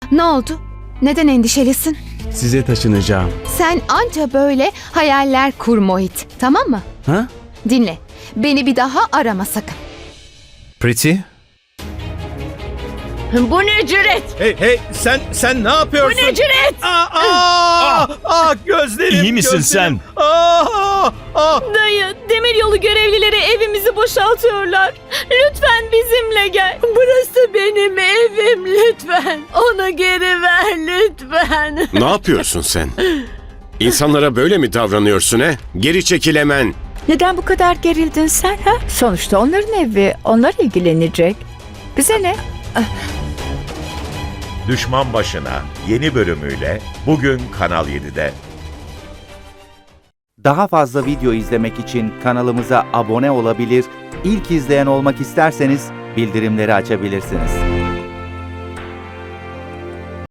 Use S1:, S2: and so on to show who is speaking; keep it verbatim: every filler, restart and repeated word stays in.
S1: Ne oldu? Neden endişelisin?
S2: Size taşınacağım.
S1: Sen anca böyle hayaller kur Mohit, tamam mı?
S2: Ha?
S1: Dinle, beni bir daha arama sakın.
S3: Pretty?
S4: Bu ne cüret?
S5: Hey hey sen sen ne
S4: Bu
S5: yapıyorsun?
S4: ne cüret?
S5: Aa, aa, aa, gözlerim.
S3: İyi misin
S5: gözlerim. Aa, aa.
S4: Dayı, demiryolu görevlileri evimizi boşaltıyorlar. Lütfen bizimle gel. Burası benim evim lütfen. Onu geri ver lütfen.
S6: Ne yapıyorsun sen? İnsanlara böyle mi davranıyorsun he? Geri çekil hemen.
S7: Neden bu kadar gerildin sen ha? Sonuçta onların evi, onlar ilgilenecek. Bize ne?
S8: Düşman Başına yeni bölümüyle bugün Kanal yedide.
S9: Daha fazla video izlemek için kanalımıza abone olabilir, ilk izleyen olmak isterseniz bildirimleri açabilirsiniz.